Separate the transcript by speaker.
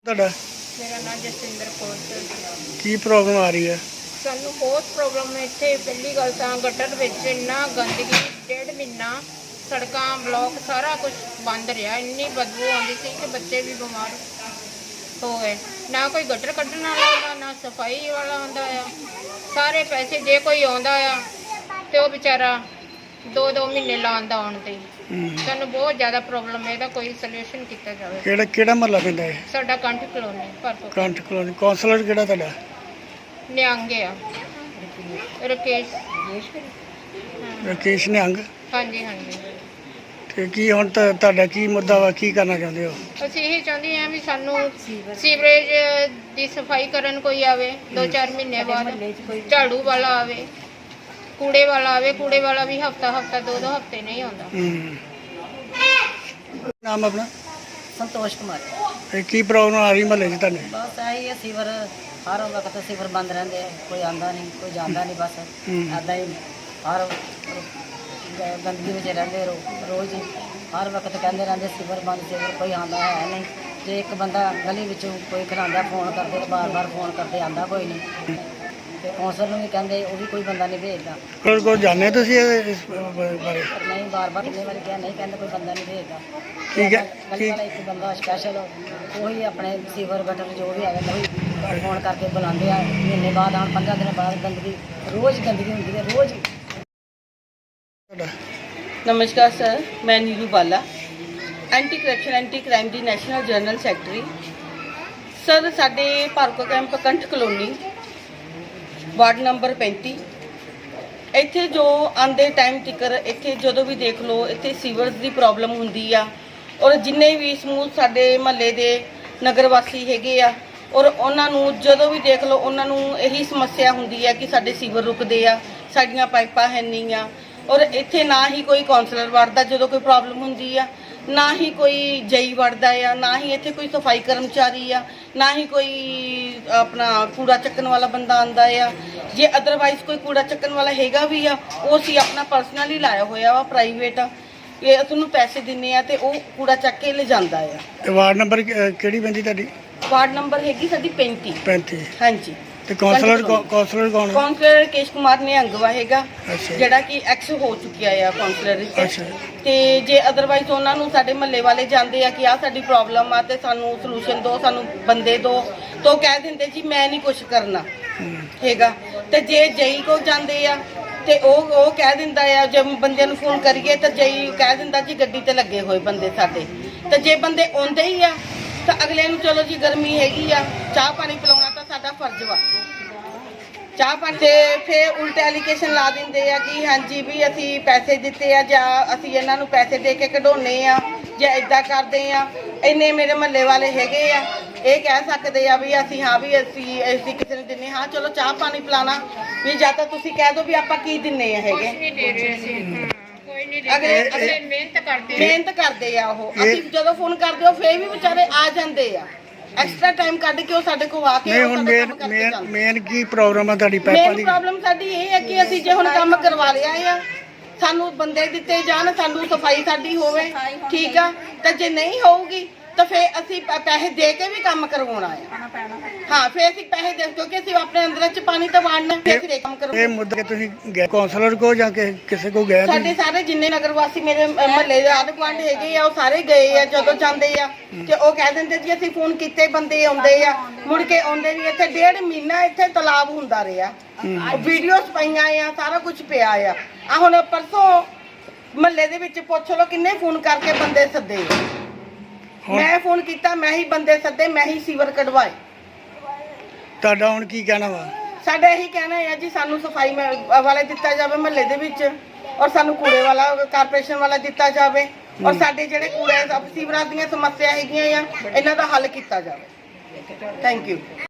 Speaker 1: ਤੁਹਾਡਾ
Speaker 2: मेरा नाम जसविंदर कौर सर।
Speaker 1: ਕੀ ਪ੍ਰੋਬਲਮ ਆ ਰਹੀ ਹੈ?
Speaker 2: ਸਾਨੂੰ ਬਹੁਤ ਪ੍ਰੋਬਲਮ ਹੈ ਇੱਥੇ। ਪਹਿਲੀ ਗੱਲ ਤਾਂ ਗਟਰ ਵਿੱਚ ਇੰਨਾ ਗੰਦਗੀ, 1.5 ਮਹੀਨਾ ਸੜਕਾਂ ਬਲੌਕ ਸਾਰਾ ਕੁਝ ਬੰਦ ਰਿਹਾ। ਇੰਨੀ ਬਦਬੂ ਆਉਂਦੀ ਸੀ ਕਿ ਬੱਚੇ ਵੀ ਬਿਮਾਰ ਹੋ ਗਏ। ਨਾ ਕੋਈ ਗਟਰ ਕੱਢਣ ਵਾਲਾ ਆਉਂਦਾ, ਨਾ ਸਫਾਈ ਵਾਲਾ ਆਉਂਦਾ ਆ। ਸਾਰੇ ਪੈਸੇ ਜੇ ਕੋਈ ਆਉਂਦਾ ਆ ਤੇ ਉਹ ਵਿਚਾਰਾ 2-2 ਮਹੀਨੇ ਲਾਉਂਦਾ ਆਉਣ ਤੇ। ਸਾਨੂੰ ਬਹੁਤ ਜ਼ਿਆਦਾ ਪ੍ਰੋਬਲਮ ਹੈ, ਇਹਦਾ ਕੋਈ ਸੋਲੂਸ਼ਨ ਕੀਤਾ ਜਾਵੇ।
Speaker 1: ਕਿਹੜਾ ਮਹੱਲਾ ਪੈਂਦਾ ਹੈ?
Speaker 2: ਸਾਡਾ ਕੰਠ ਕਲੋਨੀ ਭਰਪੂਰ
Speaker 1: ਕੰਠ ਕਲੋਨੀ। ਕਾਉਂਸਲਰ ਕਿਹੜਾ ਤੁਹਾਡਾ?
Speaker 2: ਨਿਹੰਗ ਆ ਰਕੇਸ਼।
Speaker 1: ਰਕੇਸ਼ ਨਿਹੰਗ।
Speaker 2: ਹਾਂਜੀ ਹਾਂਜੀ।
Speaker 1: ਤੇ ਕੀ ਹੁਣ ਤੁਹਾਡਾ ਕੀ ਮੁੱਦਾ ਵਾ, ਕੀ ਕਰਨਾ ਚਾਹੁੰਦੇ ਹੋ?
Speaker 2: ਅਸੀਂ ਇਹ ਚਾਹੁੰਦੇ ਹਾਂ ਵੀ ਸਾਨੂੰ ਸੀਵਰੇਜ ਦੀ ਸਫਾਈ ਕਰਨ ਕੋਈ ਆਵੇ 2-4 ਮਹੀਨੇ ਬਾਅਦ। ਝਾੜੂ ਵਾਲਾ ਆਵੇ, ਕੂੜੇ ਵਾਲਾ ਆਵੇ। ਕੂੜੇ ਵਾਲਾ ਵੀ ਹਫਤਾ 2-2 ਹਫਤੇ ਨਹੀਂ ਆਉਂਦਾ।
Speaker 1: ਨਾਮ ਆਪਣਾ?
Speaker 3: संतोष कुमार।
Speaker 1: ਇਹ ਕੀ ਪ੍ਰੋਬਲਮ ਆ ਰਹੀ ਮਹੱਲੇ 'ਚ ਤੁਹਾਡੇ?
Speaker 3: बस यही है, सीवर हर वक्त सीवर बंद रहते हैं, कोई आता नहीं कोई जाता नहीं। बस ऐदा ही हर गंदगी में रहते रोज़ ही हर वक्त कहते रहते सीवर बंद, सीवर कोई आता है नहीं। जो एक बंदा गली विचों कोई खिलाता फोन करते, बार फोन करते, आता कोई नहीं। तो कौंसल भी कहते वो भी कोई बंदा नहीं भेजता।
Speaker 1: ਕੋਲ ਜਾਣੇ ਤੁਸੀਂ ਇਸ ਬਾਰੇ?
Speaker 3: पर नहीं, बार कितने बार क्या नहीं कहते कोई बंदा नहीं भेजता।
Speaker 1: ठीक है,
Speaker 3: गली वाला एक बंदा स्पैशल वही अपने सीवर गटर जो भी है वही फोन करके बुलाते हैं। महीने बाद हम 15 दिन बाद गंदगी रोज़ गंदगी होती है रोज़।
Speaker 1: ਤੁਹਾਡਾ
Speaker 4: नमस्कार सर, मैं Neeru Bala, anti corruption anti crime दी नैशनल जनरल सैकटरी। सर साडे भार्गव कैंप कंठ कलोनी वार्ड नंबर 35 ਇੱਥੇ ਜੋ ਆਂਦੇ ਟਾਈਮ ਤਿਕਰ ਇੱਥੇ ਜਦੋਂ ਵੀ ਦੇਖ ਲਓ ਇੱਥੇ ਸੀਵਰਸ ਦੀ ਪ੍ਰੋਬਲਮ ਹੁੰਦੀ ਆ। ਔਰ ਜਿੰਨੇ ਵੀ ਸਮੂਹ ਸਾਡੇ ਮਹੱਲੇ ਦੇ ਨਗਰ ਵਾਸੀ ਹੈਗੇ ਆ ਔਰ ਉਹਨਾਂ ਨੂੰ ਜਦੋਂ ਵੀ ਦੇਖ ਲਓ ਉਹਨਾਂ ਨੂੰ ਇਹੀ ਸਮੱਸਿਆ ਹੁੰਦੀ ਆ ਕਿ ਸਾਡੇ ਸੀਵਰ ਰੁਕਦੇ ਆ, ਸਾਡੀਆਂ ਪਾਈਪਾਂ ਹੈ ਨਹੀਂ ਆ। ਔਰ ਇੱਥੇ ਨਾ ਹੀ ਕੋਈ ਕਾਉਂਸਲਰ ਵੜਦਾ ਜਦੋਂ ਕੋਈ ਪ੍ਰੋਬਲਮ ਹੁੰਦੀ ਆ, ਨਾ ਹੀ ਕੋਈ ਜਈ ਵੜਦਾ ਆ, ਨਾ ਹੀ ਇੱਥੇ ਕੋਈ ਸਫਾਈ ਕਰਮਚਾਰੀ ਆ, ਨਾ ਹੀ ਕੋਈ ਆਪਣਾ ਕੂੜਾ ਚੱਕਣ ਵਾਲਾ ਬੰਦਾ ਆਂਦਾ ਆ। ਜੇ ਅਦਰਵਾਈਜ਼ ਕੋਈ ਕੂੜਾ ਚੱਕਣ ਵਾਲਾ ਹੈਗਾ ਵੀ ਆ ਉਹ ਅਸੀਂ ਆਪਣਾ ਪਰਸਨਲੀ ਲਾਇਆ ਹੋਇਆ ਵਾ, ਪ੍ਰਾਈਵੇਟ ਆ। ਇਹ ਤੁਹਾਨੂੰ ਪੈਸੇ ਦਿੰਨੇ ਆ ਤੇ ਉਹ ਕੂੜਾ ਚੱਕ ਕੇ ਲੈ ਜਾਂਦਾ ਆ।
Speaker 1: ਇਹ ਵਾਰਡ ਨੰਬਰ ਕਿਹੜੀ ਪੈਂਦੀ ਤੁਹਾਡੀ?
Speaker 4: ਵਾਰਡ ਨੰਬਰ ਹੈਗੀ ਸਾਡੀ 35।
Speaker 1: 35।
Speaker 4: ਹਾਂਜੀ।
Speaker 1: ਤੇ ਕਾਉਂਸਲਰ ਕੌਣ?
Speaker 4: ਕਾਉਂਸਲਰ ਰਕੇਸ਼ ਕੁਮਾਰ ਨਿਹੰਗਵਾ ਹੈਗਾ,
Speaker 1: ਅੱਛਾ।
Speaker 4: ਜਿਹੜਾ ਕਿ ਐਕਸ ਹੋ ਚੁੱਕਿਆ ਆ ਕਾਉਂਸਲਰ
Speaker 1: ਅੱਛਾ।
Speaker 4: ਵਿੱਚ। ਤੇ ਜੇ ਅਦਰਵਾਈਜ਼ ਉਹਨਾਂ ਨੂੰ ਸਾਡੇ ਮਹੱਲੇ ਵਾਲੇ ਜਾਂਦੇ ਆ ਕਿ ਆਹ ਸਾਡੀ ਪ੍ਰੋਬਲਮ ਆ ਤੇ ਸਾਨੂੰ ਸੋਲੂਸ਼ਨ ਦਿਓ, ਸਾਨੂੰ ਬੰਦੇ ਦਿਓ, ਤਾਂ ਕਹਿ ਦਿੰਦੇ ਜੀ ਮੈਂ ਨਹੀਂ ਕੁਝ ਕਰਨਾ ਹੈਗਾ। ਤੇ ਜੇ ਜਈ ਕੋਲ ਜਾਂਦੇ ਆ ਤੇ ਉਹ ਕਹਿ ਦਿੰਦਾ ਆ, ਜੇ ਬੰਦਿਆਂ ਨੂੰ ਫੋਨ ਕਰੀਏ ਤਾਂ ਜਈ ਕਹਿ ਦਿੰਦਾ ਜੀ ਗੱਡੀ ਤੇ ਲੱਗੇ ਹੋਏ ਬੰਦੇ ਸਾਡੇ। ਤੇ ਜੇ ਬੰਦੇ ਆਉਂਦੇ ਹੀ ਆ ਤਾਂ ਅਗਲੇ ਨੂੰ ਚਲੋ ਜੀ ਗਰਮੀ ਹੈਗੀ ਆ, ਚਾਹ ਪਾਣੀ ਪਿਲਾਉਣਾ ਤਾਂ ਸਾਡਾ ਫਰਜ਼ ਵਾ। ਚਾਹ ਪਾਣੀ ਤੇ ਫਿਰ ਉਲਟੇ ਐਲੀਗੇਸ਼ਨ ਲਾ ਦਿੰਦੇ ਆ ਕਿ ਹਾਂਜੀ ਵੀ ਅਸੀਂ ਪੈਸੇ ਦਿੱਤੇ ਆ ਜਾਂ ਅਸੀਂ ਇਹਨਾਂ ਨੂੰ ਪੈਸੇ ਦੇ ਕੇ ਕਢਾਉਣੇ ਆ ਜਾਂ ਇਦਾਂ ਕਰਦੇ ਆ। ਇੰਨੇ ਮੇਰੇ ਮਹੱਲੇ ਵਾਲੇ ਹੈਗੇ ਆ, ਇਹ ਕਹਿ ਸਕਦੇ ਆ ਵੀ ਅਸੀਂ ਹਾਂ ਵੀ ਅਸੀਂ ਕਿਸੇ ਨੂੰ ਦਿੰਨੇ ਹਾਂ, ਚਲੋ ਚਾਹ ਪਾਣੀ ਪਿਲਾਣਾ ਵੀ ਜਾਂ ਤਾਂ ਤੁਸੀਂ ਕਹਿ ਦਿਓ ਵੀ ਆਪਾਂ ਕੀ ਦਿੰਨੇ ਆ ਹੈਗੇ।
Speaker 2: ਨਹੀਂ ਦੇ ਰਹੇ ਅਸੀਂ। ਕੋਈ ਨਹੀਂ ਦੇ
Speaker 4: ਅਗਲੇ
Speaker 2: ਰਹੇ। ਅਸੀਂ
Speaker 4: ਮਿਹਨਤ ਕਰਦੇ ਆ ਉਹ। ਅਸੀਂ ਜਦੋਂ ਫੋਨ ਕਰਦੇ ਹੋ ਫੇਰ ਵੀ ਵਿਚਾਰੇ ਆ ਜਾਂਦੇ ਆ, ਐਕਸਟਰਾ ਟਾਈਮ ਕੱਢ ਕੇ ਉਹ ਸਾਡੇ ਕੋਲ ਆ ਕੇ
Speaker 1: ਨਹੀਂ ਹੁਣ ਮੇਨ ਕੀ ਪ੍ਰੋਬਲਮ ਆ ਤੁਹਾਡੀ ਪਾਈਪਾਂ
Speaker 4: ਮੇਨ
Speaker 1: ਦੀ?
Speaker 4: ਪ੍ਰੋਬਲਮ ਸਾਡੀ ਇਹ ਹੈ ਕਿ ਅਸੀਂ ਜੇ ਹੁਣ ਕੰਮ ਕਰਵਾ ਲਿਆ ਆ, ਸਾਨੂੰ ਬੰਦੇ ਦਿੱਤੇ ਜਾਣ, ਸਾਨੂੰ ਸਫਾਈ ਸਾਡੀ ਹੋਵੇ, ਠੀਕ ਆ। ਤਾਂ ਜੇ ਨਹੀਂ ਹੋਊਗੀ ਤਾਂ ਫੇਰ ਅਸੀਂ ਪੈਸੇ ਦੇ ਕੇ ਵੀ ਕੰਮ ਕਰਵਾਉਣਾ ਹੈ। ਹਾਂ, ਫੇਰ ਅਸੀਂ ਪੈਸੇ ਦੇ, ਕਿਉਂਕਿ ਅਸੀਂ ਆਪਣੇ ਅੰਦਰ ਚ ਪਾਣੀ ਤਾਂ ਵਾੜਨਾ, ਫੇਰ ਅਸੀਂ ਕੰਮ ਕਰਵਾਉਣਾ।
Speaker 1: ਇਹ ਮੁੱਦਾ ਕਿ ਤੁਸੀਂ ਗਏ ਕਾਉਂਸਲਰ ਕੋ ਜਾਂ ਕਿਸੇ ਕੋ ਗਏ?
Speaker 4: ਸਾਡੇ ਸਾਰੇ ਜਿੰਨੇ ਨਗਰ ਵਾਸੀ ਮੇਰੇ ਮਹੱਲੇ ਦੇ ਆਂਢ ਗੁਆਂਢ ਹੈਗੇ ਆ ਉਹ ਸਾਰੇ ਗਏ ਆ। ਜਦੋਂ ਜਾਂਦੇ ਆ ਤੇ ਉਹ ਕਹਿ ਦਿੰਦੇ ਜੀ ਅਸੀਂ ਫੋਨ ਕੀਤੇ, ਬੰਦੇ ਆਉਂਦੇ ਆ, ਮੁੜ ਕੇ ਆਉਂਦੇ ਨਹੀਂ। ਇੱਥੇ 1.5 ਮਹੀਨਾ ਇੱਥੇ ਤਲਾਬ ਹੁੰਦਾ ਰਿਹਾ, ਵੀਡੀਓਜ਼ ਪਈਆਂ ਆ, ਸਾਰਾ ਕੁਝ ਪਿਆ ਆ। ਆ ਹੁਣ ਪਰਸੋਂ ਮਹੱਲੇ ਦੇ ਵਿੱਚ ਪੁੱਛ ਲਓ ਕਿੰਨੇ ਫੋਨ ਕਰਕੇ ਬੰਦੇ ਸੱਦੇ। ਮੈਂ ਫੋਨ ਕੀਤਾ, ਮੈਂ ਹੀ ਬੰਦੇ ਸੱਦੇ, ਮੈਂ ਹੀ ਸੀਵਰ ਕਢਵਾਏ।
Speaker 1: ਤੁਹਾਡਾ ਹੁਣ ਕੀ ਕਹਿਣਾ ਵਾ?
Speaker 4: ਸਾਡਾ ਇਹੀ ਕਹਿਣਾ ਹੈ ਜੀ ਸਾਨੂੰ ਸਫਾਈ ਵਾਲਾ ਦਿੱਤਾ ਜਾਵੇ ਮਹੱਲੇ ਦੇ ਵਿੱਚ, ਔਰ ਸਾਨੂੰ ਕੂੜੇ ਵਾਲਾ ਕਾਰਪੋਰੇਸ਼ਨ ਵਾਲਾ ਦਿੱਤਾ ਜਾਵੇ, ਔਰ ਸਾਡੇ ਜਿਹੜੇ ਕੂੜੇ ਸੀਵਰਾਂ ਦੀਆਂ ਸਮੱਸਿਆ ਹੈਗੀਆਂ ਆ ਇਹਨਾਂ ਦਾ ਹੱਲ ਕੀਤਾ ਜਾਵੇ। Thank you.